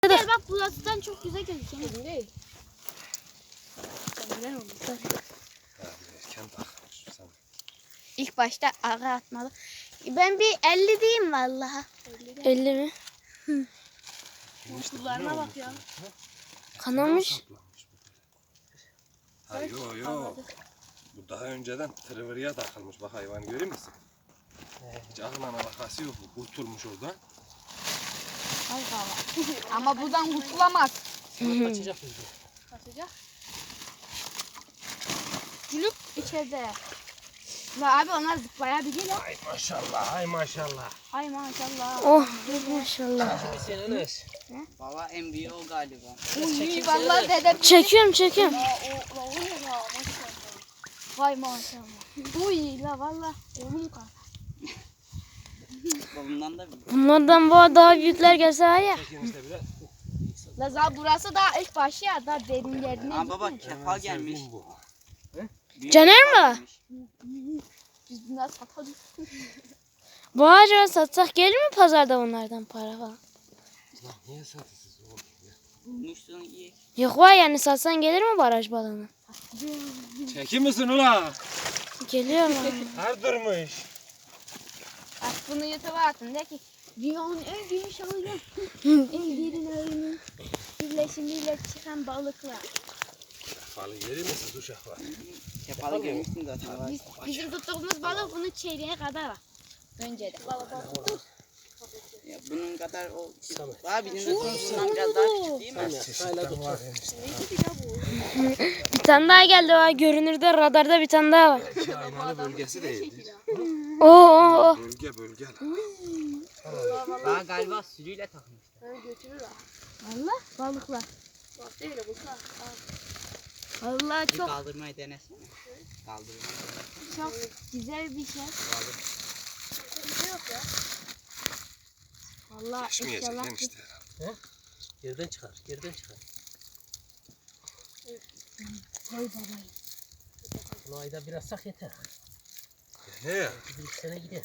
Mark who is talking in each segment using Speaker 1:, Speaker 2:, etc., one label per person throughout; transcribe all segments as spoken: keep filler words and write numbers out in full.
Speaker 1: Gel bak burasından çok güzel gözüküyor. Değil. Güzel olmuş. İlk başta ara atmalı. Ben bir elli diyeyim vallahi.
Speaker 2: elli mi?
Speaker 1: Hı. Kullarına bak ya.
Speaker 2: Kanamış.
Speaker 3: Ha yo yo. Bu daha önceden tırvırıya takılmış. Bak hayvan görüyor musun? Hiç aklına alakası yok. Bu kurtulmuş oradan.
Speaker 1: Ay baba. Ama buradan kurtulamaz.
Speaker 4: Kaçacak mıydı?
Speaker 1: Kaçacak. Gülüp içeride. La abi onlar zıplayabilir ya.
Speaker 3: Ay maşallah, ay maşallah.
Speaker 1: Ay maşallah.
Speaker 2: Oh maşallah.
Speaker 4: Şimdi sen Enes.
Speaker 5: Baba en büyüğü o galiba.
Speaker 1: Uy vallahi dedem.
Speaker 2: Çekiyorum çekiyorum.
Speaker 1: La o la o ne la maşallah. Vay maşallah. Uy la vallahi oğlum kalk.
Speaker 5: Babamdan da büyük.
Speaker 2: Bunlardan bu daha büyükler gelse var ya.
Speaker 3: Çekin işte biraz.
Speaker 1: La za burası daha ilk başı ya daha derin yerine.
Speaker 5: Aa baba kefal gelmiş.
Speaker 3: Sevdiğim bu.
Speaker 5: Büyük
Speaker 2: Caner
Speaker 5: kefal
Speaker 2: mi?
Speaker 5: gelmiş.
Speaker 1: Biz bunları satalım.
Speaker 2: Bu acaba satsak gelir mi pazarda bunlardan para falan?
Speaker 3: Lan niye satıyorsunuz oğlum ya?
Speaker 5: Bulmuşsun iyi.
Speaker 2: Yok var yani satsan gelir mi baraj balığına?
Speaker 3: Çekin misin ula?
Speaker 2: Geliyor mu?
Speaker 3: Her durmuş.
Speaker 1: Bak bunu YouTube'a atın de ki dünyanın en büyük şahını en derin ağının birleşimiyle çıkan balıklar.
Speaker 3: Falı yeri misin uşak var?
Speaker 5: Kefalı görmüşsün zaten.
Speaker 1: Biz, bizim tuttuğumuz balık bunun çeyreğe kadar var. Önce de.
Speaker 5: Ya bunun kadar o.
Speaker 4: Samet.
Speaker 5: Var bizim de bundan biraz daha küçük değil mi?
Speaker 3: Çeşitten var enişte.
Speaker 2: Bir tane daha geldi var. Görünürde radarda bir tane daha var.
Speaker 3: İki aynalı bölgesi değildir.
Speaker 2: Oo oo oo.
Speaker 3: Bölge bölge.
Speaker 5: Daha galiba sürüyle takılmışlar.
Speaker 1: Allah balıklar. Bak değil bu Allah
Speaker 5: Bir
Speaker 1: çok
Speaker 5: kaldırmayı denesene. Kaldırmayı.
Speaker 1: çok güzel bir şey.
Speaker 5: Kaldır.
Speaker 1: Allah
Speaker 3: Geçmeyecek
Speaker 1: inşallah.
Speaker 3: enişte.
Speaker 4: Yerden çıkar, yerden çıkar.
Speaker 1: Koy babayı.
Speaker 4: Bunu ayda biraz sak yeter.
Speaker 3: He ya.
Speaker 4: Bir iki sene gider.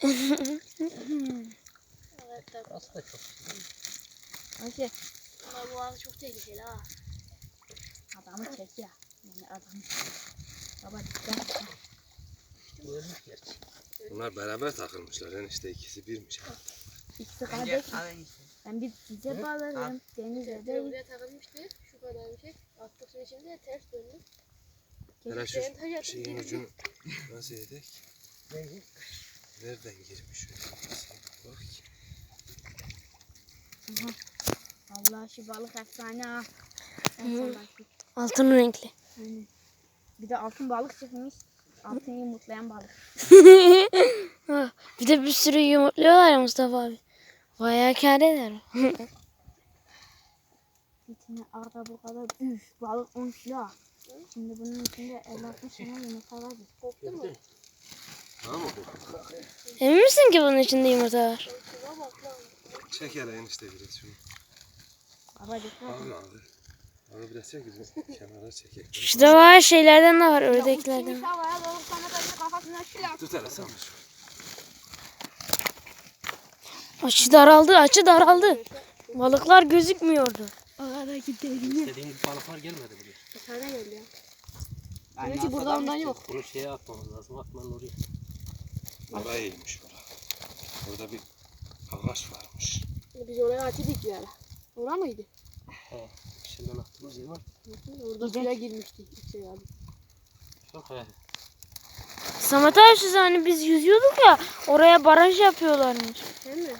Speaker 4: Burası da çok.
Speaker 1: Ayşe. Ama bu arada çok tehlikeli ha. Adamı çek ya. Yani adamı. Baba dikkat.
Speaker 4: Bu ölmüş gerçi.
Speaker 3: Bunlar beraber takılmışlar enişte. İkisi birmiş.
Speaker 1: İkisi
Speaker 5: Bence
Speaker 1: kardeş.
Speaker 5: al enişte.
Speaker 1: Ben bir size bağlarım. Denize değil.
Speaker 6: Buraya takılmıştı. Şu kadar bir şey. Attık suyun içinde ters döndü.
Speaker 3: Hele şu şeyin ucunu nasıl yedik? Nereden girmiş şöyle? Bak ki.
Speaker 1: Allah şu balık efsane ha. Efsane.
Speaker 2: Altın renkli.
Speaker 1: Aynen. Bir de altın balık çıkmış. Altın yumurtlayan balık.
Speaker 2: Ah, bir de bir sürü yumurtluyorlar ya Mustafa abi. Bayağı kâr eder.
Speaker 1: Bir tane arada bu kadar üf balık on kilo. Şimdi bunun içinde elli altmış tane yumurta var.
Speaker 6: Koptu mu?
Speaker 3: Tamam mı?
Speaker 2: Emin misin ki bunun içinde yumurta var?
Speaker 6: Şuna bak lan.
Speaker 3: Çek hele enişte biraz şunu.
Speaker 1: Baba dikkat et.
Speaker 3: Abi abi. Abi biraz çek bizim kenara çekek.
Speaker 2: Şurada var şeylerden de var
Speaker 1: Ya
Speaker 2: ördeklerden.
Speaker 1: uçmuş havaya doğru sana böyle kafasına şılar.
Speaker 3: Tut hele sen şu.
Speaker 2: Açı daraldı açı daraldı. Balıklar gözükmüyordu.
Speaker 1: Aradaki derin.
Speaker 4: İstediğim gibi balıklar gelmedi buraya.
Speaker 6: Dışarıda geldi ya.
Speaker 5: Ben
Speaker 6: Gerçi burada ondan yok.
Speaker 4: Bunu şeye atmamız lazım. Atmanın oraya.
Speaker 3: Oraya iyiymiş bura. Burada bir ağaç varmış.
Speaker 6: Biz oraya açtık bir ara. Orada mıydı?
Speaker 4: He. Şimdiden attığımız yer var.
Speaker 6: Orada suya girmişti. Şey abi.
Speaker 4: Çok he.
Speaker 2: Samet abi siz hani biz yüzüyorduk ya oraya baraj yapıyorlarmış.
Speaker 6: Değil mi?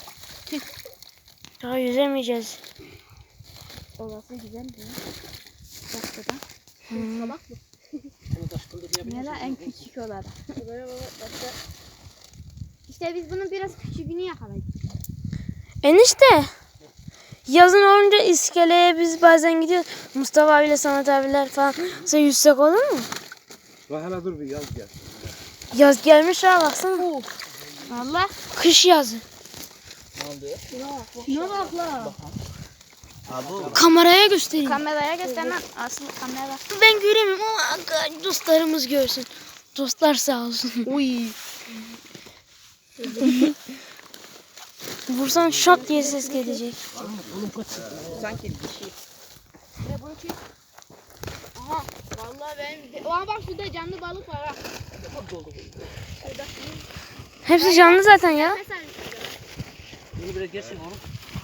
Speaker 2: Daha yüzemeyeceğiz.
Speaker 1: Orası güzel değil mi? Dakikada.
Speaker 6: Salak mı?
Speaker 4: Bunu taş kıldırmayabilir
Speaker 1: Ne la en
Speaker 4: misin?
Speaker 1: küçük olan.
Speaker 6: Oraya baba başka.
Speaker 1: İşte biz bunun biraz küçüğünü yakaladık.
Speaker 2: Enişte. Yazın olunca iskeleye biz bazen gidiyoruz. Mustafa abiyle Samet abiler falan. Sen yüzsek olur mu?
Speaker 3: Bak hele dur bir yaz gel.
Speaker 2: Yaz gelmiş ha baksana.
Speaker 1: Valla.
Speaker 2: Kış yazı.
Speaker 4: Ne oldu?
Speaker 1: Şuna bak la.
Speaker 5: Abi
Speaker 2: Kameraya göstereyim.
Speaker 1: Kameraya göstermem. Asıl kamera.
Speaker 2: Ben göremiyorum ama dostlarımız görsün. Dostlar sağ olsun.
Speaker 1: Uy.
Speaker 2: Vursan şak diye ses gelecek.
Speaker 5: Sanki bir şey.
Speaker 1: Ve bunu çek. Aha. Vallahi ben... Aa bak şurada canlı balık var ha. Şurada.
Speaker 2: Hepsi canlı zaten ya.
Speaker 1: Mesela
Speaker 4: Bunu biraz gelsin oğlum.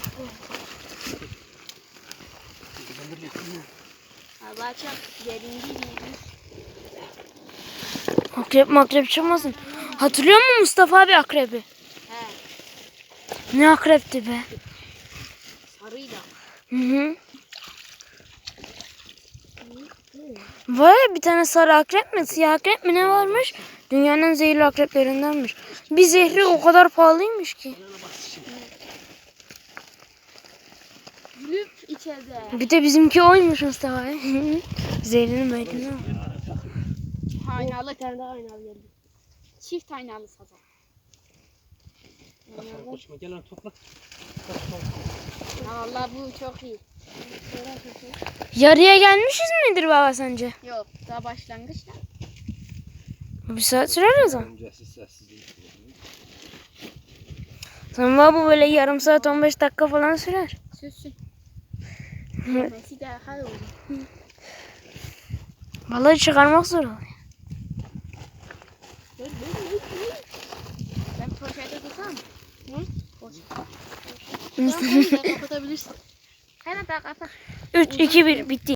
Speaker 1: Allah çok derin değil.
Speaker 2: Akrep makrep çıkmasın. Hatırlıyor musun Mustafa abi akrebi?
Speaker 1: He.
Speaker 2: Ne akrepti be.
Speaker 1: Sarıydı.
Speaker 2: Hı hı. Var ya bir tane sarı akrep mi siyah akrep mi ne varmış? Dünyanın en zehirli akreplerindenmiş. Bir zehri o kadar pahalıymış ki.
Speaker 1: Gülüp içeride.
Speaker 2: Bir de bizimki oymuş Mustafa abi. Zehrini meydini al.
Speaker 1: Aynalı.
Speaker 6: Bir tane daha aynalı geldi.
Speaker 1: Çift aynalı sazan.
Speaker 4: Kaçma koşma gel lan topla.
Speaker 1: Ha, vallahi bu çok iyi.
Speaker 2: Yarıya gelmişiz midir baba sence?
Speaker 1: Yok daha başlangıçta.
Speaker 2: Bir saat sürer o zaman.
Speaker 3: Öncesi sessizlik.
Speaker 2: Tamam baba böyle yarım saat on beş dakika falan sürer.
Speaker 1: Süssün. Yemesi de hal olur.
Speaker 2: Vallahi çıkarmak zor oluyor.
Speaker 1: Ben poşete tutsam.
Speaker 6: Tamam, onu da kapatabilirsin.
Speaker 1: Hemen daha kapat.
Speaker 2: üç, iki, bir bitti.